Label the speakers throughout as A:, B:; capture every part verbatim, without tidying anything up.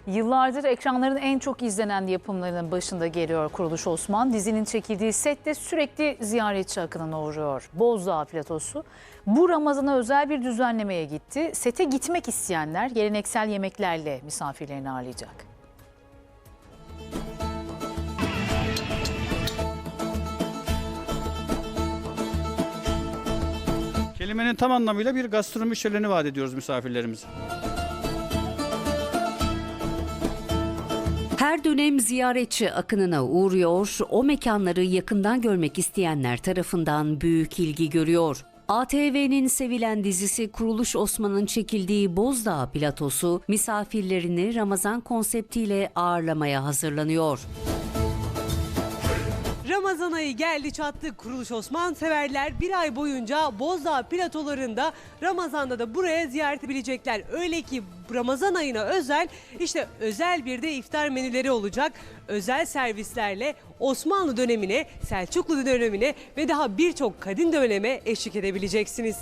A: Yıllardır ekranların en çok izlenen yapımlarının başında geliyor Kuruluş Osman. Dizinin çekildiği sette sürekli ziyaretçi akınına uğruyor. Bozdağ Platosu bu Ramazan'a özel bir düzenlemeye gitti. Sete gitmek isteyenler geleneksel yemeklerle misafirlerini ağırlayacak.
B: Kelimenin tam anlamıyla bir gastronomi şöleni vaat ediyoruz misafirlerimize.
C: Her dönem ziyaretçi akınına uğruyor, o mekanları yakından görmek isteyenler tarafından büyük ilgi görüyor. A T V'nin sevilen dizisi Kuruluş Osman'ın çekildiği Bozdağ Platosu misafirlerini Ramazan konseptiyle ağırlamaya hazırlanıyor.
D: Ramazan ayı geldi çattı. Kuruluş Osman severler bir ay boyunca Bozdağ platolarında, Ramazan'da da buraya ziyaret edebilecekler. Öyle ki Ramazan ayına özel işte özel bir de iftar menüleri olacak. Özel servislerle Osmanlı dönemine, Selçuklu dönemine ve daha birçok kadim döneme eşlik edebileceksiniz.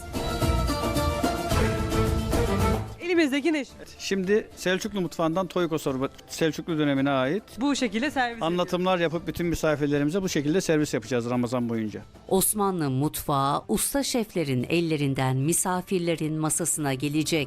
D: Elimizdeki ne?
B: Şimdi Selçuklu mutfağından Toyko sorba, Selçuklu dönemine ait
D: Bu şekilde servis
B: anlatımlar yapıp bütün misafirlerimize bu şekilde servis yapacağız Ramazan boyunca.
C: Osmanlı mutfağı usta şeflerin ellerinden misafirlerin masasına gelecek.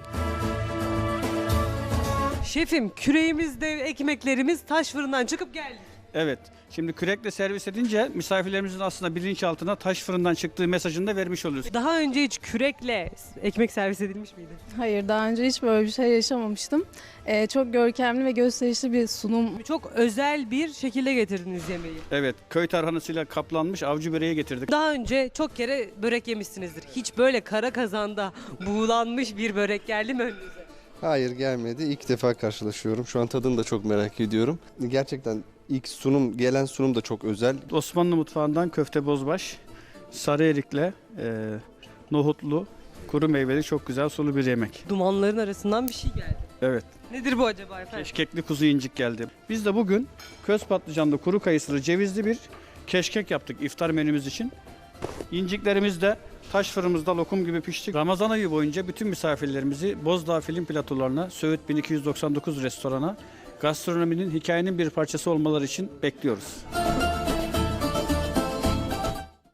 D: Şefim, küreğimizde ekmeklerimiz taş fırından çıkıp geldi.
B: Evet. Şimdi kürekle servis edince misafirlerimizin aslında bilinçaltına taş fırından çıktığı mesajını da vermiş oluyoruz.
D: Daha önce hiç kürekle ekmek servis edilmiş miydi?
E: Hayır, daha önce hiç böyle bir şey yaşamamıştım. Ee, çok görkemli ve gösterişli bir sunum.
D: Çok özel bir şekilde getirdiniz yemeği.
B: Evet. Köy tarhanasıyla kaplanmış avcı böreği getirdik.
D: Daha önce çok kere börek yemişsinizdir. Hiç böyle kara kazanda buğulanmış bir börek geldi mi önünüze?
F: Hayır, gelmedi. İlk defa karşılaşıyorum. Şu an tadını da çok merak ediyorum. Gerçekten ilk sunum, gelen sunum da çok özel.
B: Osmanlı mutfağından köfte bozbaş, sarı erikle, e, nohutlu, kuru meyveli çok güzel sulu bir yemek.
D: Dumanların arasından bir şey geldi.
B: Evet.
D: Nedir bu acaba efendim?
B: Keşkekli kuzu incik geldi. Biz de bugün köz patlıcanlı, kuru kayısılı, cevizli bir keşkek yaptık iftar menümüz için. İnciklerimiz de taş fırınımızda lokum gibi pişti. Ramazan ayı boyunca bütün misafirlerimizi Bozdağ Film Platolarına, Söğüt bin iki yüz doksan dokuz restorana, gastronominin, hikayenin bir parçası olmaları için bekliyoruz.